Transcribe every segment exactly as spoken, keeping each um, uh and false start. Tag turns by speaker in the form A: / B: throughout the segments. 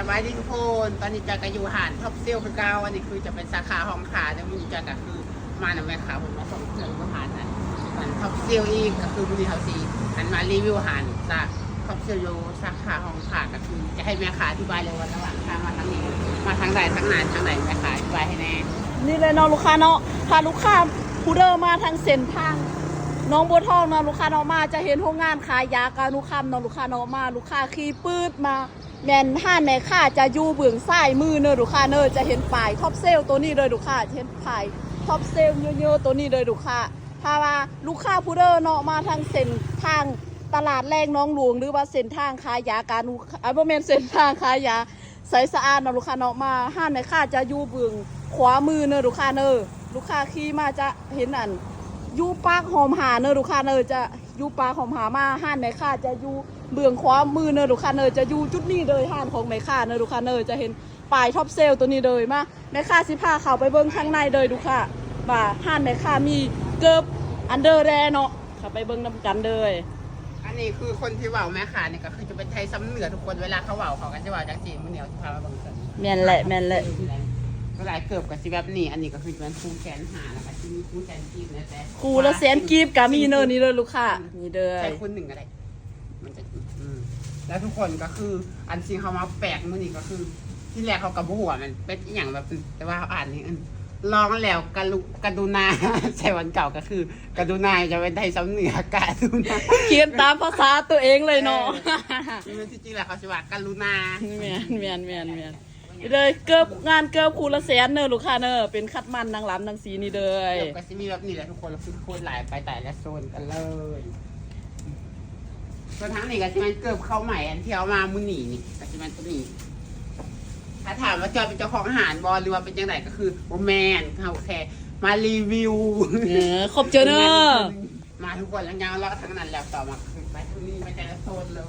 A: บายดีทุกคนตอนนี้จะกอยู่หานท็อปเซลคือเก้าอันนี้คือจะเป็นสาขาห้องขาแต่มีจะก็คือมาหน่ะแม่ขาผมมาส่งเสริมหานนั้นมันท็อปเซลอีกก็คือบุรีเฮาซีหันมารีวิวหานจากท็อปเซลโยสาขาห้องขาก็คือจะให้แม่ขาอธิบายเลยว่าระหว่างทางมาทางนี้มาทางใดทางนั้นทางไหนแม่ขาอธิบายให้แน่
B: นี่เลยเนาะลูกค้าเนาะพาลูกค้าผู้เดินมาทางเส้นทางน้องบัวทองเนาะลูกค้าเนาะมาจะเห็นโรงงานขายยาการลูกค้าเนาะลูกค้าเนาะมาลูกค้าขี่ปืดมาแมนห้านแม่ค้าจะอยู่เบื้องซ้ายมือเนอะลูกค้าเนอะจะเห็นป้ายท็อปเซลตัวนี้เลยลูกค้าเห็นป้ายท็อปเซลเยอะๆตัวนี้เลยลูกค้าถ้าว่าลูกค้าผู้เดินเนาะมาทางเส้นทางตลาดแรงน้องหลวงหรือว่าเส้นทางขายยาการลูกค้าบ่แม่นเส้นทางขายยาใสสะอาดเนาะลูกค้าเนาะมาห้านแม่ค้าจะอยู่เบื้องขวามือเนอะลูกค้าเนอะลูกค้าขี่มาจะเห็นอันยูปากหอมหาเนอลูกค้าเนอจะยูปากหอมหามาห้านแม่ค้าจะยูเบื้องขวามือเนอลูกค้าเนอจะยูจุดนี้เลยห้านของแม่ค้าเนอลูกค้าเนอจะเห็นป้ายท็อปเซลตัวนี้เลยมาแม่ค้าสิพาเข้าไปเบิ้งข้างในเลยลูกค้าว่าห้านแม่ค้ามีเกิบอันเดอร์แรเนาะเข้าไปเบิ้งน้ำกันเลย
A: อันนี้คือคนที่ว่าวแม่ขาเนี่ยก็คือจะเป็นไทยซ้ำเหนือทุกคนเวลาเขาว่าวเขากันจะว่าวจากจีนมันเหนียวจะพามาเบิ้งกัน
B: แม่นแหละแม่นแหละ
A: เวลาเกือบกับสิแบบนี้อันนี้ก็คือเป็นคู่แขนหาแล้วก็ที่มีคู่แขนกีบนะแต่
B: คู่ละแสนกีบกับมีเนอนี่เลยลูกค้านี่เด้อ
A: ใช้คุณหนึ่งอะไรมันจะอืมแล้วทุกคนก็คืออันซีเขามาแปลกมือนี่ก็คือ ที่แรกเขากับหัวมันเป็นอย่างแบบแต่ว่าอ่านนี่ลองแล้วกระลุกระดูนาใช่วันเก่าก็คือกระดูนาจะเป็นไทยซ้ำเหนือกระดูนา
B: เขียนตามภาษาตัวเองเลยเนาะ
A: มันที่จริงแหละเขาจะว่ากระนา
B: เมียนเมียนเมียนเมียนเลยเกือบงานเกือบคูละแสนเนอะลูกค้าเนอะเป็นคัดมันนางล้ำนางสีนี่เลย
A: เกือบก็จะมีแบบนี้แหละทุกคนเราคือโคตรหลายไปแต่ละโซนกันเลยส่วนทั้งนี้ก็จะมันเกือบเข้าใหม่อันที่เอามามุนีนี่ก็จะมันตัวนี้ถ้าถามว่าจอยเป็นเจ้าของอาหารบอลหรือว่าเป็นยังไงก็คือโมแมนเขาแค่มารีวิว
B: เออขอบเจอเนอะ
A: มาทุกคนแล้วงานเราทั้งนั้นแล้วต่อมาคือไปที่นี่ไปแต่ละโซนเลย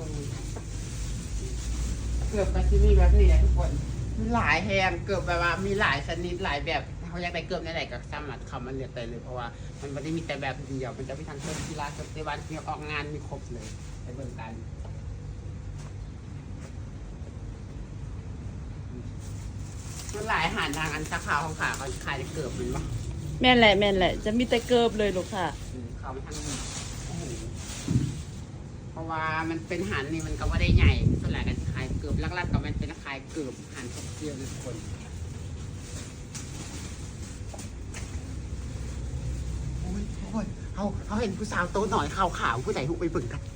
A: เกือบไปที่นี่แบบนี้แหละทุกคนมีหลายแห่งเกือบแบบว่ามีหลายชนิดหลายแบบเขาอยากได้เกือบไหนๆก็สามารถเข้ามาเลือกได้เลยเพราะว่ามันไม่ได้มีแต่แบบเดียวมันจะมีทั้งเชิงกีฬาเชิงเตะบอลมีออกงานมีครบเลยไปเบิ่งกันมันหลายอาหารทางอันสาขาของขาเขาขายได้เกือบมันวะ
B: แม่นแหละแม่นแหละจะมีแต่เกิบเลยลูกค่ะ
A: เขามาทางนี้เพราะว่ามันเป็นหันนี่มันก็ว่าได้ใหญ่ส่วนใหญ่กันขายเกือบลักๆก็มันเป็นขายเกือบหันทุกเดียวทุกคนโอ้ยทุกคนเขาเขาเห็นผู้สาวโตหน่อยขาวขาวผู้ใหญ่หุบไปเบิ่งกัน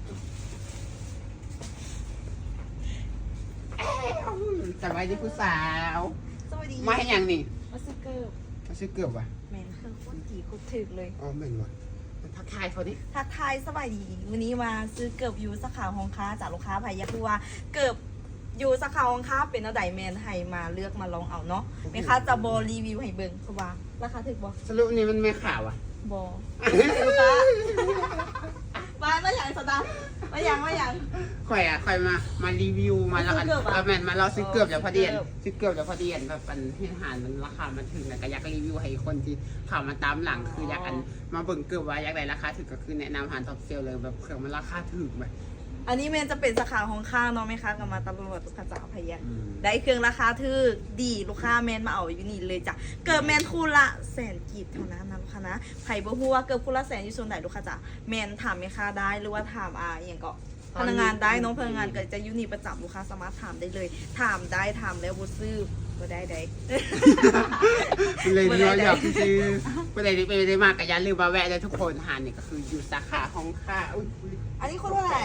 A: สบายดีผู้สาว
C: สวัสดี
A: มาให้ยังนี่
C: มาซื้อเกือบ
A: มาซื้อเกือบวะ
C: แมนเครื่องโคตรกี่โคตรถึกเลย
A: อ๋อแม่นวะทักทายเขาดิ
C: ทักทายสบายดีวันนี้มาซื้อเกือบยูสาขาของค้าจากลูกค้าพายาคือว่าเกือบยูสาขาของค้าเป็นอะไรแมนให้มาเลือกมาลองเอาเนาะแม่ค้าจะบอรีวิวให้เบิ่งเพราะว่าราคาถึกบอ
A: สรุปนี้มันไม่ข่าวอ่ะ
C: บอลูกค้ามาไม่อย่างสตาร์ไม่อย่างไม่อย่าง
A: ค่อยอ่ะค่อยมามารีวิวมาแล้วอันแมนมาเราซื้อเกือบแล้วพอดีซื้อเกือบแล้วพอดีแบบอันที่อาหารมันราคามันถึงนะก็อยากรีวิวให้คนที่ข่าวมาตามหลังคืออยากอันมาเบิ่งเกือบว่าอยากได้ราคาถึงก็คือแนะนำอาหารท็อปเซลเลยแบบเครื่องมันราคาถึงไหม
C: อันนี้เมนจะเป็นสาขาของข้าวเนาะไหมคะกับมาตำรวจลูกค้าจ๋าพยาได้เครื่องราคาถือดีลูกค้าแมนมาเอาอยู่นี่เลยจ้ะเกิดแมนคู่ละแสนกีบเท่านั้นนะลูกค้านะไผ่บ่ฮู้ว่าเกิดคู่ละแสนอยู่ส่วนไหนลูกค้าจ๋าแมนถามแม่ค้าได้หรือว่าถามอ่าอย่างก็พนักงานได้น้องพนักงานก็จะอยู่นี่ประจำลูกค้าสามารถถามได้เลยถามได้ถามแล้วบ่ซื้อบ่ได้ได้
A: เลยเนาะอยากซื้อบ่ได้ไปได้มากก็อย่าลืมมาแวะเลยทุกคนหานี่ก็คืออยู่สาขาของข้า
C: อันนี้คนเท่าไหร่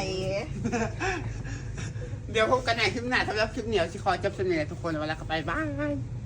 A: เดี๋ยวพบกันในคลิปหน้าสำหรับคลิปเหนียวชิคอจับเสนอทุกคนเวลาเข้าไปบ้าย